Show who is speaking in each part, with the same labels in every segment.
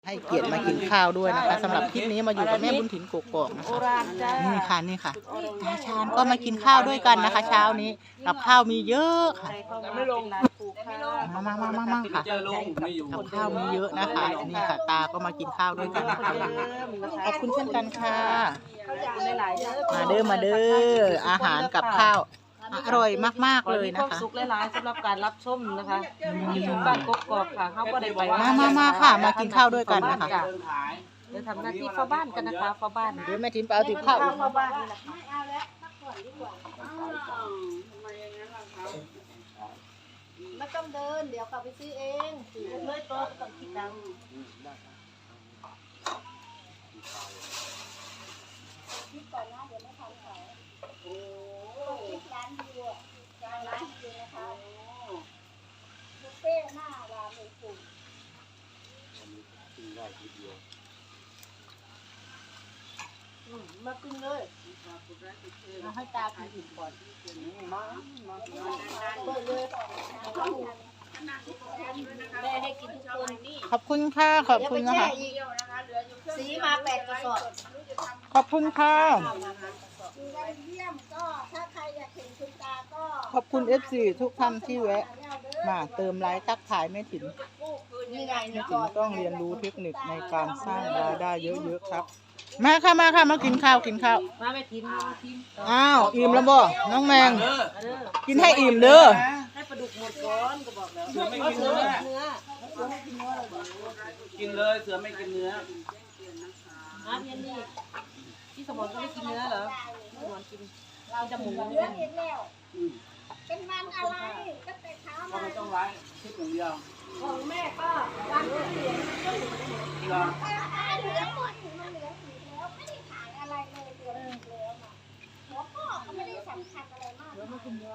Speaker 1: ให้เกียรติมากินข้าวด้วยนะคะสำหรับคลิปนี้มาอยู่กับแม่บุญถิ่นกกอกนะคะนี่ค่ะนี่ค่ะตาชาญก็มากินข้าวด้วยกันนะคะ เช้านี้กับข้าวมีเยอะค่ะ
Speaker 2: ไม่ลง
Speaker 1: มาค่ะกับข้าวมีเยอะนะคะนี่ค่ะตาก็มากินข้าวด้วยกันนะคะขอบคุณเช่นกันค่ะมาเด้ออาหารกับข้าวอร่อยมากๆเลยนะคะ
Speaker 2: สุขหลายๆสำหรับการรับชมนะคะที่ทุกบ้านกกอกค่ะเขาก็ได้ไป
Speaker 1: มาค่ะมากินข้าวด้วยกันนะคะ
Speaker 2: เดี๋ยวทำหน้าที่เฝ้าบ้านกันนะคะเฝ้าบ้าน
Speaker 1: เดี๋ยวแม่ถิ่นไปเอาติดข้าว
Speaker 2: เฝ้าบ้านนี่แหละ
Speaker 3: ไม่เอาแล้วพักผ่อนดีกว่าไม่ต้องเดินเดี๋ยวกลับไปซื้อเองเลยตัวต้องคิดดังคิดก่อนนะเดี๋ยวไม่ทันเขาโอ้คิดร้านวิวร้านวิวนะคะบุฟเฟ่หน้าร้านเลยคุณมากินเลยมาให้ตากินอิ่มก่อนเปิดเลยแม่ให้กินทุกคนนี่
Speaker 1: ขอบคุณค่ะขอบคุณนะคะ
Speaker 3: สีมา8 กระสอบ
Speaker 1: ขอบคุณค่ะ
Speaker 3: เยี่ยมก็ถ้าใครอยากเห็นคุณตาก็
Speaker 1: ขอบคุณ FC ทุกท่านที่แวะมาเติมไลค์ทักทายแม่ถิ่น
Speaker 3: นี่ไง
Speaker 1: แม่ถิ่นต้องเรียนรู้เทคนิคในการสร้างรายได้เยอะๆครับมาค่ะมากินข้าว
Speaker 2: มาไม่ทิ้ง
Speaker 1: อ้าวอิ่มแล้วบ่น้องแมงกินให้อิ่มเด้อ
Speaker 2: ให้ปลาดุกหมดก่อนก็บอกแล้ว
Speaker 4: เสือไม่กินเนื้อกินเลยเสือไม่กินเนื้อ
Speaker 2: พี่นี่พี่สมรก็ไม่กินเนื้อเหรอสมรกินเราจะหมู
Speaker 3: เนื้อเห็นแล้วเป็นมันอะไรก็แต่เช้ามา
Speaker 4: ไม่ต้องไล่คิดอย่างเดียว
Speaker 3: ของแม่ก็วันเหลืองเหลืองหมดมันเหลืองสีแล้วไม่ได้ขายอะไรเลยเหลืองแล้วอ่ะหัวข้อก็ไม่ได้สำคัญอะไรมากแล้วมันคือเนื้อ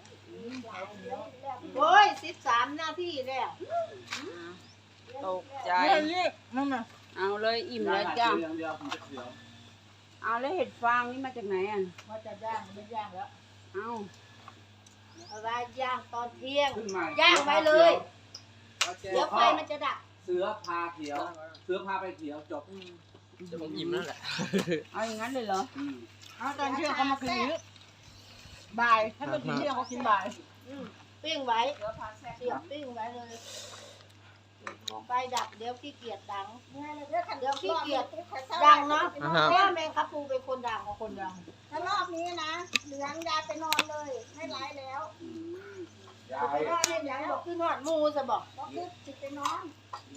Speaker 3: โอ้ย13 นาทีแล้ว
Speaker 2: ตกใจ
Speaker 1: นั่นน่ะ
Speaker 2: เอาเลยอิ่มแล้วจ้า
Speaker 4: เอา
Speaker 2: แล้วเห็ดฟางนี่มาจากไหนอ่ะ
Speaker 3: ว่าจะย่างไม่ย่างแล้ว
Speaker 2: เอา
Speaker 3: อะไรย่างตอนเที่ยงย่างไว้เลยเดี๋ยวไฟมันจะดับ
Speaker 4: เสือพาเขียวเสือพาไปเขียวจบ
Speaker 1: จะผมอิ่มแล้วแหละ
Speaker 2: เอาอย่างนั้นเลยเหรอ
Speaker 1: เอาตอนเที่ยงเขามากินนี้บ่ายถ้าเป็นเที่ยงเขากินบ่าย
Speaker 3: ปิ้งไว้เสียบปิ้งไว้เลยไฟดับเดี๋ยวขี้เกียจดังเดี๋ยวขี้เกียจดังเนาะแม่แมงคับปูเป็นคนดังกับคนดังถ้ารอบนี้นะเหลืองยายไปนอนเลยไม่ไลฟ์แล้วยายให้ยังบอกคือนอนมูจะบอกบอกคือจิตไปนอน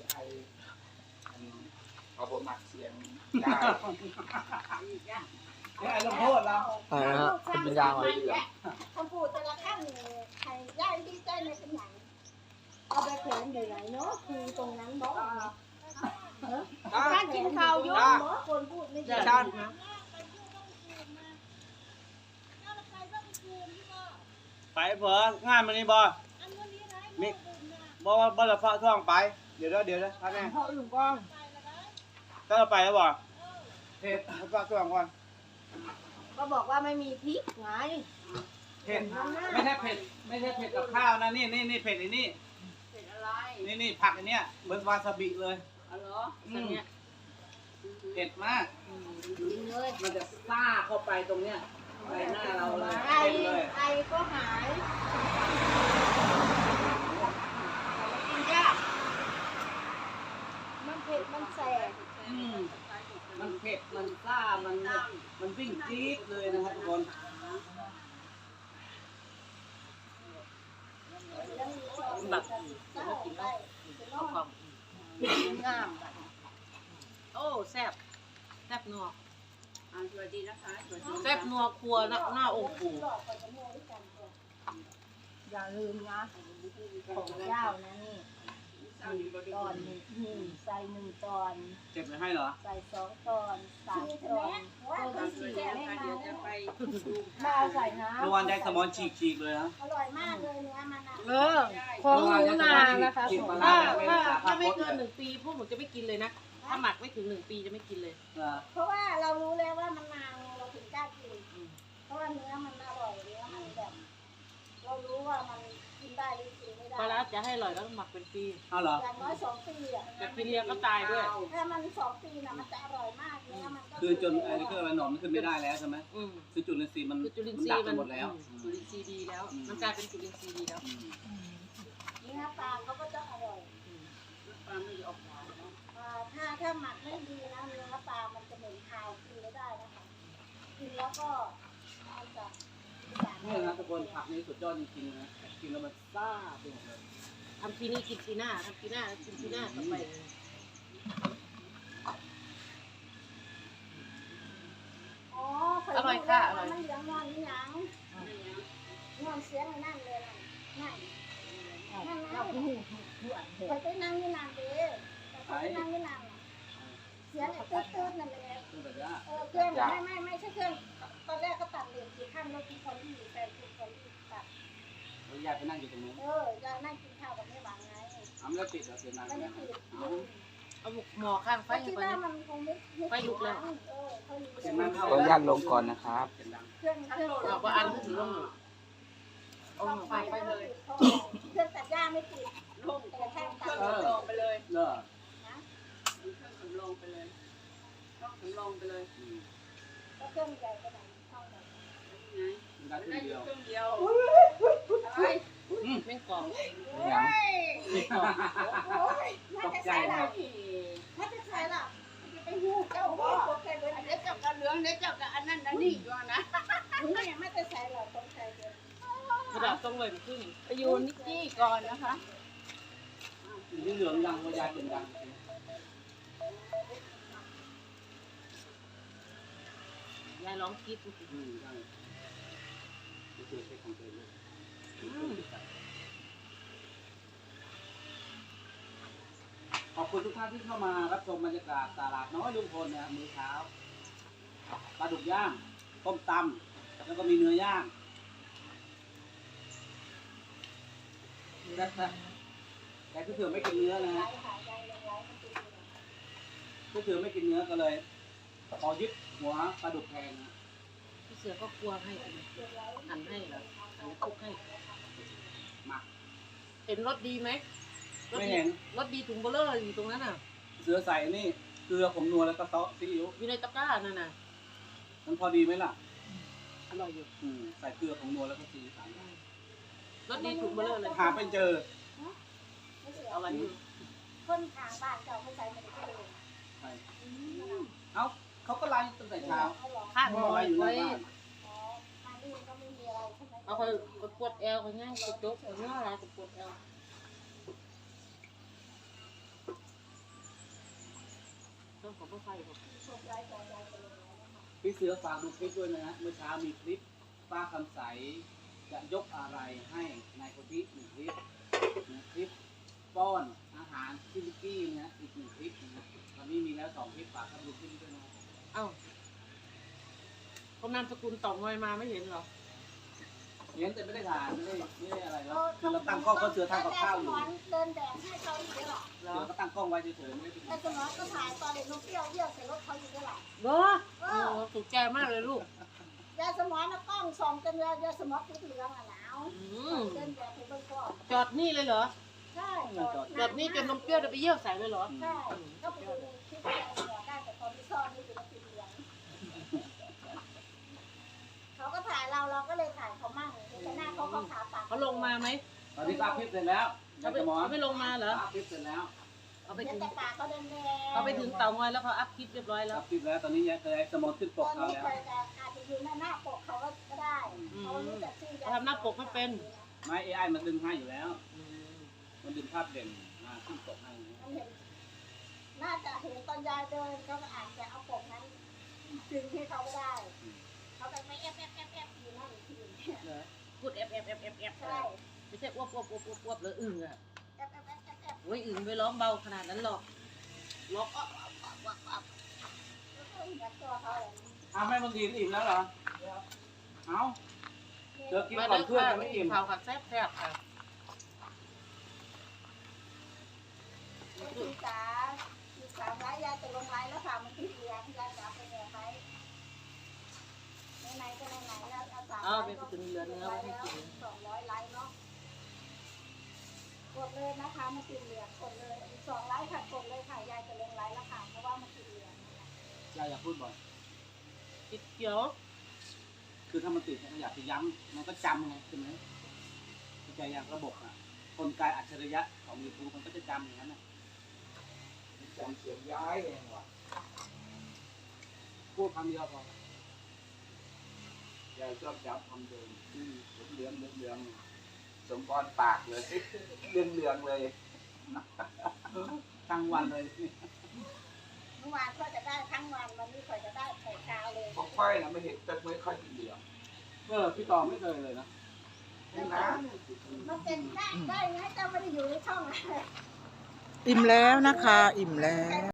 Speaker 4: เอาบทหนักเสียงได้ลงโทษเรา
Speaker 1: คุณเป็นยางอะไรดี
Speaker 3: คำพูดแต่ละขั้นใครย่ายที่ใจในเป็นอย่างเอาไปแขวนอยู่ไหนเนาะคือตรงนั้นบอกการกินข้าวยุ่งเนาะคนพูดไม่ได้
Speaker 4: ไปเผื่องานมันนี่บ่มิบ่ว่าบ่ละฟ้าท่องไปเดี๋ยวท่านแม่
Speaker 1: พ่ออื่นก่อน
Speaker 4: ก็ไปแล้วบ่เผ็ดฟ้าท่องก่อน
Speaker 3: ก็บอกว่าไม่มีพริกไง
Speaker 4: เผ็ดไม่ใช่เผ็ดกับข้าวนะนี่เผ็ดไอ้นี่นี่ผักอันเนี้ยเหมือนวาซาบิเลย
Speaker 2: อ๋อเหรอเนี่ย
Speaker 4: เผ็ดมากมันจะซ่าเข้าไปตรงเนี้ยไปหน้าเราเลย
Speaker 3: ไอก็หายกินยากมันเผ็ดมันแสบ
Speaker 4: มันเผ็ดมันซ่ามันวิ่งจี๊ดเลยนะครับทุกคน
Speaker 2: แบบกินได้ความงามโอ้แซ่บนัวสวัสดีนะคะแซ่บนัวครัวหน้าองค์ปู่
Speaker 3: อย่าลืมนะของเจ้านะนี่ตอนใส่1 ตอน
Speaker 4: เจ็บเลยให้เหรอ
Speaker 3: ใส่2 ตอน3 ตอนตัวที่4ไม่มามาใส่นะ
Speaker 4: เมื่อวานได้สมอนฉีกเลยนะ
Speaker 3: อร่อยมากเลยเนื้อมัน
Speaker 2: ของหนูนานะคะถ้าไม่เกิน1 ปีพวกหนูจะไม่กินเลยนะถ้าหมักไม่ถึง1 ปีจะไม่กินเลย
Speaker 3: เพราะว่าเรารู้แล้วว่ามันนานเราถึงกล้ากินเพราะว่าเนื้อมันอร่อยเนื้อมันแบบเรารู้ว่ามันกินได้หรือกินไม่ได้
Speaker 2: ปลาร้าจะให้อร่อยแล้วต้องหมักเป็นปี
Speaker 4: เอาเหรอ
Speaker 3: อย่างน้อย2 ปีอ่ะ
Speaker 2: แต่กินเรียงก็ตายด้วย
Speaker 3: ถ้ามัน2 ปีน่ะมันจะอร่อยมากเนื้อมันก็
Speaker 4: คือจนไอ้นี่คืออะไรหนอนมันขึ้นไม่ได้แล้วใช่ไหม
Speaker 2: อืม
Speaker 4: คือจุลินทรีย์มัน
Speaker 2: คือจุลิน
Speaker 4: มัน
Speaker 2: ทรี
Speaker 4: ดับ
Speaker 2: ย์
Speaker 4: ไป
Speaker 2: มัน
Speaker 4: หมดแล้ว
Speaker 2: จุลินทรีย์ดีแล้ว มันกลายเป็นจุลินทรีย์ดีแล้ว
Speaker 3: เนื้อปลาเขาก็จะอร่อย
Speaker 2: ปลาไม่ออกหวานเนาะ
Speaker 3: ถ้าหมักไม่ดีนะเนื้อปลามันจะเหม็นคาวกินไม่ได้นะคะกินแล้วก็มันจะ
Speaker 4: นี่นะทุกคนผักนี่สุดยอดจริงๆนะกินแล้วมันซ่าไปหมดเลย
Speaker 2: ทำทีนี้กินทีหน้าทำทีหน้ากินทีหน้าต่อไป
Speaker 3: อ๋อมันเหลืองงอนนี่ยังงอนเสียงนั่นเลยนั่นนั่นไปไปนั่งนี่นานเด้ไปนั่งนี่นานเสียงตื้นๆนั่นเลย
Speaker 4: เครื่องแบบนี้
Speaker 3: เครื่องไม่ใช่เครื่องตอนแรกก็ตัดเหรียญกี่ขั้นแล้วกี่คนที่อยู่แฟนกี่คนที่ตัด
Speaker 4: แล้วยายไปนั่งอยู่ตรงนู้น
Speaker 3: จะนั่งกินข้าวกับแม่หวานไง
Speaker 4: ไม่ได้ติดเหรอเสียงดัง
Speaker 3: ไม่ได้ติด
Speaker 2: เอาหมอข้างไฟ
Speaker 3: คิ
Speaker 2: ให้
Speaker 3: ด
Speaker 2: ไป
Speaker 3: ว่ามันคงไม่
Speaker 2: ไฟลุกแล้ว
Speaker 4: เสียงดังเข้า
Speaker 5: ขออนุญาตลงก่อนนะครับ
Speaker 4: เสียงดัง
Speaker 3: เครื่อง
Speaker 2: เราก็อันถือลงเอาไฟไปเลย
Speaker 3: เครื่องตัดหญ้าไม่ติดลงแต่แท่งตัด
Speaker 2: ลงไปเลย
Speaker 4: เลิก
Speaker 3: นะ
Speaker 2: ลงไปเลยลงไปเลย
Speaker 3: ก็เครื่องใหญ่ขนาดเท่าไหร่
Speaker 4: ดังขึ้นเดียว
Speaker 2: เครื่องเดียวอะไรแม่งกรอบ
Speaker 5: ยัง
Speaker 3: โอ้ยน่าจะใช่ละน่าจะใช่ละจะไปหูเจ้าว่าโอเคเลยเดี๋ยวเจ้ากับเหลืองเดี๋ยวเจ้ากับอันนั้นอันนี้อยู่นะนี่ไม่จะใช่หรอกต้องใช่เดียว
Speaker 2: กระดาษต้องเลยขึ้น
Speaker 3: ไปอยู่นิกกี้ก่อนนะคะ
Speaker 4: ที่เหลืองดังเพราะยายเป็นดัง
Speaker 2: ยายร้องคิด
Speaker 4: ใช่ไม่เคยใช้ของเธอเลยขอบคุณทุกท่านที่เข้ามารับชมบรรยากาศตลาดน้อยลุงพลนะมื้อเช้าปลาดุกย่างต้มตำแล้วก็มีเนื้อย่างแต่พี่เถื่อไม่กินเนื้อนะฮะพี่เถื่อไม่กินเนื้อก็เลยขอยึดหัวปลาดุกแทนนะ
Speaker 2: พี่เสือก็กลัวให้หันให้เหรอหันคุกให้
Speaker 4: มา
Speaker 2: เห็นรถดีไหม
Speaker 4: ไม่เห็น
Speaker 2: รถดีถุงเบลเลอร์อยู่ตรงนั้นน่ะ
Speaker 4: เสือใส่นี่เกลือผงนัวแล้วก็ซอสซีอิ๊ว
Speaker 2: อยู่ในตะกร้านั่นน่ะ
Speaker 4: มันพอดีไหมล่ะ
Speaker 2: อร่อยอยู่
Speaker 4: ใส่เกลือผงนัวแล้วก็ซีอิ๊ว
Speaker 2: รถดีถุงเบลเลอร์เลย
Speaker 4: หาไปเจอ
Speaker 2: เอาไว้อยู่
Speaker 3: คนทางบ้านเจ้าเขาใช้ไม่ได้เลย
Speaker 4: ใช่เอ้าเขาก็ไล่ตั้งแต่เช้า
Speaker 3: เขาหลอก
Speaker 2: ข้าง
Speaker 4: เขา
Speaker 2: หมอ
Speaker 4: ไล่อยู่ห
Speaker 2: ไว้
Speaker 4: น้าบ้าน
Speaker 3: อ๋อมานี่ก็ไม่มีอะไรใช่ไหม
Speaker 2: เอาไปปวดแอลเขาง่ายกดจุกเอาเนื้ออะไรปวดแอลต้องขอไฟผม
Speaker 4: พี่เสือฝากดูคลิปด้วยนะฮะเมื่อเช้ามีคลิปป้าคำใสจะยกอะไรให้นายคนที่หนึ่งคลิปนะคลิปป้อนอาหารซิลิกี้นะฮะอีกหนึ่งคลิปนะตอนนี้มีแล้ว2 คลิปฝากท่านดูคลิปด้วยนะ
Speaker 2: เอ้าคนนามสกุลต่องอยมาไม่เห็นเหรอ
Speaker 4: เห็นแต่ไม่ได้ถ่ายไม่ได้อะไรแล้วคือเราตั้งกล้องก็เสือทำกับข้าวอยู่
Speaker 3: เดินแดดให้เขาอยู่ด้วยหรอ
Speaker 4: เสือก็ตั้งกล้องไว้เฉยๆไม่ได้ไป
Speaker 3: แต่สมองก็ถ่ายตอนเด็กนกเปรี้ยวเยี่ยวใส่รถเขาอยู่ด้วยหรอ
Speaker 2: เหรอโอ้ถูกใจมากเลยลูก
Speaker 3: ยาสมองนะกล้องส่องจนยาสมองติดเหลืองอ่ะหนาวเดินแดดถึงเบื้องก้อน
Speaker 2: จอดนี่เลยเหรอ
Speaker 3: ใช่
Speaker 2: จอดนี่จนนมเปรี้ยวจะไปเยี่ยวใส่เลยเหรอ
Speaker 3: ใช่ก็ไปดูในคลิปยาสมองได้แต่ตอนที่ซ่อนนี่คือติดเหลืองเขาก็ถ่ายเราก็เลยถ่ายเขามั่งแต่หน้าเขาขาปาก
Speaker 2: เขาลงมาไหม
Speaker 4: ตอนนี้อัพคลิปเสร็จแล้วอยากจะหมอ
Speaker 2: เขาไม่ลงมาเหรอ
Speaker 4: อัพคลิปเสร็จแล้ว
Speaker 2: เอาไป
Speaker 3: เห็
Speaker 2: ถึ
Speaker 3: น
Speaker 2: ง
Speaker 3: แต่ปากเขาแดง
Speaker 2: เขาไปถึงเตางอยแล้วเขาอัพคลิปเรียบร้อยแล้
Speaker 4: อั
Speaker 2: ว
Speaker 4: พคลิปแล้วตอนนี้ยายเคยสมองขึ้นป
Speaker 3: ตอก น
Speaker 4: เขา
Speaker 3: นี้
Speaker 4: แล้ว
Speaker 3: ไปแต่อาจจะอยู่หน้าปกเขาก็ได้เขารู้จักชื่อยา
Speaker 2: ทำหน้าปกไม่เป็น
Speaker 4: ไม่ AI มันดึงให้อยู่แล้ว มันดึงภาพเด่นมาขึ้นปกให้นะ
Speaker 3: มันเห็นน่าจะเห็นตอนยายเดินเขาก็อาจจะเอาปกนั้นดึงให้เขาก็ได้เขาไปไม่แอบอยู่นั่นที
Speaker 2: พูดแอบ
Speaker 3: ใช่
Speaker 2: ไม่ใช่อ้วบเลยอึ่งอ่ะ
Speaker 3: แอบ
Speaker 2: โอ้ยอึ่งไปร้องเบาขนาดนั้นหรอกร้อง
Speaker 3: ยัดตัวเขาเลย
Speaker 4: อ้าวแม่บางทีอิ่มแล้วเหรอ เอ้าเจอกิน
Speaker 2: มา
Speaker 4: ก่อ
Speaker 2: เด้
Speaker 4: น
Speaker 2: อ
Speaker 4: เพื่อน
Speaker 2: ค่ะ
Speaker 4: ยังไม่อิ่ม
Speaker 2: ข่าวผัดแซ่บค่ะ
Speaker 3: พี่จ๋าพี่จ๋าไว้ยายจะลงไลน์แล้วค่ะมันติดเหลืองยายจ๋าไปแอบไว้ไหนก็ไหนแล้วเอาสาม
Speaker 2: เอาไปถึงเหลือเนื้อไว้ให้กิน
Speaker 3: 200 ไลน์เนาะกดเลยนะคะมันติดเหลืองกดเลย2 ไลค์ค่ะกดเลยค่ะยายจะลงไลค์แล้วค่ะเพราะว่ามันติดเหลืองนะคะ
Speaker 4: ยายอย่าพูดบ่อย
Speaker 2: ติดเขียว
Speaker 4: คือถ้ามันติดเนี่ยมันอยากจะย้ำมันก็จำไงใช่ไหมเข้าใจอย่างระบบอ่ะกลไกอัจฉริยะของ YouTube มันก็จะจำอย่างนั้นน่ะ
Speaker 5: จำเสียงย้ายเองว่ะ
Speaker 4: พูดคำเดียวพอย
Speaker 5: ายชอบจำคำเดิมเหลืองเหลืองสมพรปากเลยเหลืองเหลืองเลย
Speaker 4: ทั้งวันเลย
Speaker 3: เมื่อวานก็จะได้ทั้งวันวันนี้ก็จะได้แต่เช้าเลย
Speaker 5: ของค่อยนะไม่เห็นจะไม่ค่อยเหลือง
Speaker 4: พี่ต่อไม่เคยเลยนะ
Speaker 5: นี่นะ
Speaker 3: มันเป็นได้ไงเจ้าไม่ได้อยู่ในช่องอะไร
Speaker 1: อิ่มแล้วนะคะ อิ่มแล้ว